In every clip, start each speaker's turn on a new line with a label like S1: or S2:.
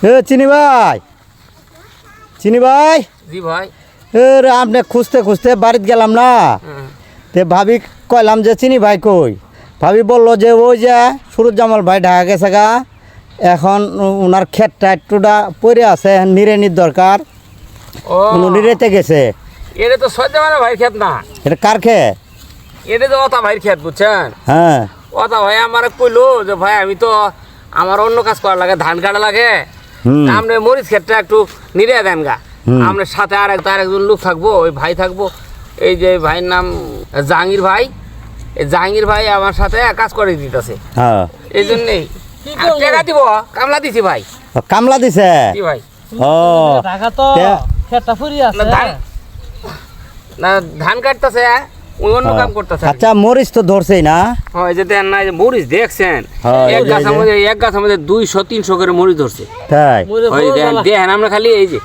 S1: চিনি ভাই, চিনি ভাই।
S2: জি ভাই।
S1: আপনি খুঁজতে খুঁজতে বাড়িতে গেলাম না, তে ভাবি কইলাম যে চিনি ভাই কই। ভাবি বললো যে ওই যে সুরুজ্জামাল ভাই ঢাকা গেছে গা, এখন ওনার ক্ষেতটা একটুটা পড়ে আছে, নিড়ানির দরকার।
S2: ও
S1: নিড়েতে গেছে।
S2: এটা তো সজ্জামানের ভাইয়ের ক্ষেত না,
S1: এটা কার ক্ষেত?
S2: এটা তো অতা ভাইয়ের ক্ষেত, বুঝছেন?
S1: হ্যাঁ।
S2: অতা ভাই আমার কইলো যে ভাই আমি তো আমার অন্য কাজ করা লাগে, ধান কাটা লাগে, আপনি মরিচ ক্ষেতটা একটু নিড়ে দেন গা। আপনার সাথে আরেকজন লোক থাকবো, ওই ভাই থাকবো, এই যে ভাইয়ের নাম জাহাঙ্গীর ভাই। এই জাহাঙ্গীর ভাই আমার সাথে কাজ করে দিতেছে,
S1: হ্যাঁ,
S2: এই জন্যেই টাকা দিব। কামলা দিছি ভাই।
S1: কামলা দিছে?
S2: কি ভাই?
S1: ও
S3: টাকা তো খেতটা ফুরি আছে
S2: না, ধান কাটতেছে, ওই অন্য কাম করতেছে।
S1: আচ্ছা, মরিচ তো ধরছেই না?
S2: হয় যে দেন না, যে মরিচ দেখছেন,
S1: হ্যাঁ,
S2: এক গাছের মধ্যে 200-300 করে মরিচ ধরছে।
S1: তাই?
S2: ওই দেখেন আমরা খালি এই যে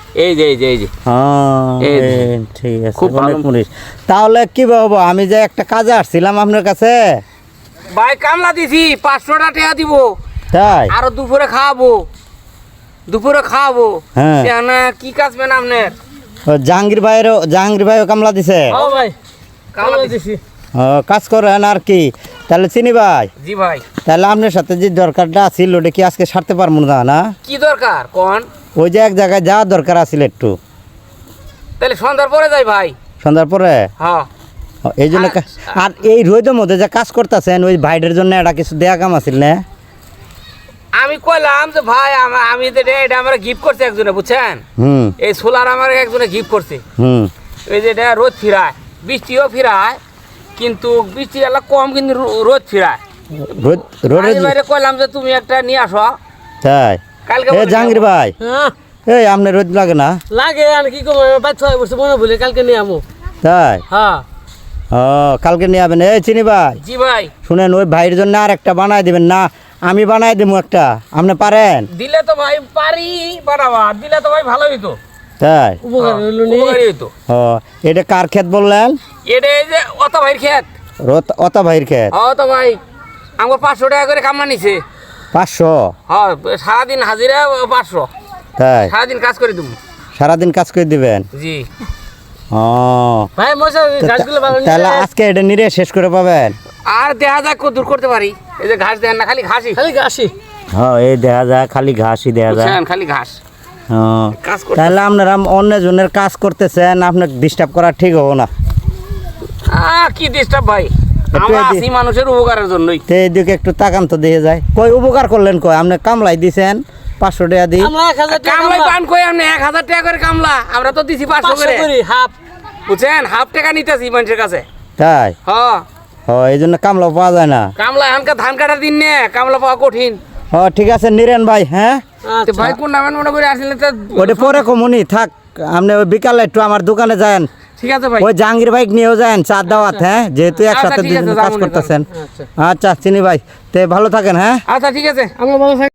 S2: এই যে।
S1: ঠিক আছে,
S2: খুব
S1: অনেক
S2: ভালো।
S1: মরিচ। তাহলে কি বাবু, আমি যে একটা কাজে আসছিলাম আপনার কাছে।
S2: ভাই কামলা দিছি, 500 টাকা দিব,
S1: তাই?
S2: আরো দুপুরে খাওয়াবো।
S1: হ্যাঁ।
S2: না কি কাজ পেন আপনার?
S1: ও, জাহাঙ্গীর ভাইও কামলা দিছে?
S3: ও ভাই
S2: কামলা দিছি।
S1: কাজ করেন আর কি। তাহলে চিনি ভাই,
S2: জি ভাই।
S1: তাহলে আপনার সাথে যে দরকারটা আছিল ওটা কি আজকে সারতে পারবো না? না,
S2: কি দরকার কোন?
S1: ওই যে এক জায়গায় যাওয়ার দরকার আছিল একটু।
S2: তাহলে সন্ধ্যার পরে যাই ভাই।
S1: সন্ধ্যার পরে?
S2: হ্যাঁ।
S1: এই জন্য আর এই রোদের মধ্যে যে কাজ করতেছেন, ওই ভাইদের জন্য এটা কিছু দেয়া কাম আছিল না?
S2: আমি কইলাম যে ভাই আমি এটা আমার গিফট করছে একজনে, বুঝছেন?
S1: হুম
S2: এই সোলার আমার একজনে গিফট করছে।
S1: হুম
S2: এই যে এটা রোদ ফিরায়, বৃষ্টিও ফিরায়, কিন্তু বৃষ্টি এলা কম, কিন্তু রোদ ফিরায়।
S1: রোদে
S2: আমি বাইরে কইলাম যে তুমি একটা নিয়ে আসো।
S1: তাই?
S2: কালকে
S1: এ জাহাঙ্গীর ভাই,
S3: হ্যাঁ
S1: এই আপনার রোদ লাগে না?
S3: লাগে, আমি কি করবো, বাচ্চা হয়ে বসে মনে বলে কালকে নিয়ে আমো।
S1: তাই?
S3: হ্যাঁ
S1: ও, কালকে নিয়ে যাবেন। এই চিনি ভাই,
S2: জি ভাই।
S1: শুনেন, ওই ভাইয়ের জন্য আর একটা বানাই দিবেন না? আমি বানাই দেবো একটা, আপনি পারেন?
S2: দিলে তো ভাই পারি বানাবা, দিলে তো ভাই ভালো হইতো।
S1: তাই?
S3: উপকার হইলো নি।
S2: উপকারী হইতো।
S1: ও, এটা কার ক্ষেত বললেন?
S2: এটা এই যে অত ভাইয়ের ক্ষেত।
S1: অতা ভাইয়ের ক্ষেত?
S2: তো ভাই আমার 500 টাকা করে কামলা নিছে।
S1: 500?
S2: হ্যাঁ, সারাদিন হাজিরা 500।
S1: তাই?
S2: সারাদিন কাজ করে দেবো।
S1: সারাদিন কাজ করে দিবেন?
S2: জি।
S1: ও,
S3: ভাই মশা গাছগুলো ভালো নিয়ে
S1: তাহলে আজকে এটা নিরে শেষ করে পাবেন?
S2: আর দেখা যাক কত দূর করতে পারি। এই যে ঘাস দেন না, খালি ঘাসই,
S3: খালি গাছি।
S1: হ্যাঁ, এই দেখা যায়, খালি ঘাসই দেখা যায়।
S2: বুঝছেন, খালি ঘাস।
S1: হ্যাঁ,
S2: কাজ করতে
S1: তাহলে আপনারা অন্য জনের কাজ করতেছেন, আপনাকে ডিস্টার্ব করা ঠিক হবো না।
S2: কি ডিস্টার্ব ভাই, আমরা
S1: এদি-
S2: আছি মানুষের উপকারের জন্যই।
S1: তো এইদিকে একটু তাকান তো, দিয়ে যায়। কই উপকার করলেন? কই আপনি কামলাই দিছেন 500 টাকা দিই?
S3: আমরা 1000 টাকা
S2: কামলাই পান কই আপনি? 1000 টাকা করে কামলা, আমরা তো দিছি 500 করে।
S3: করি হাফ।
S2: বুঝছেন, হাফ টাকা নিতেছি মানুষের কাছে।
S1: তাই?
S2: হ্যাঁ,
S1: এই জন্য কামলা পাওয়া যায় না।
S2: কামলা এখনকার ধান কাটার দিন নে, কামলা পাওয়া কঠিন।
S1: ঠিক আছে, নিরেন ভাই। হ্যাঁ,
S2: তো ভাই কোন নামেন মনে করে আসলে তো
S1: ওটা পরে কমুনি থাক। আপনি ওই বিকালে একটু আমার দোকানে যান,
S2: ঠিক আছে ভাই।
S1: ওই জাহাঙ্গীর ভাই নিয়েও যান চা দাওয়াত। হ্যাঁ, যেহেতু একসাথে
S2: ঠিক আছে,
S1: দুজন কাজ
S2: যাবো নি,
S1: করতেছেন।
S3: আচ্ছা
S1: আচ্ছা চিনি ভাই, তে ভালো থাকেন। হ্যাঁ,
S2: আচ্ছা ঠিক আছে।
S3: আমরা ভালো থাকি।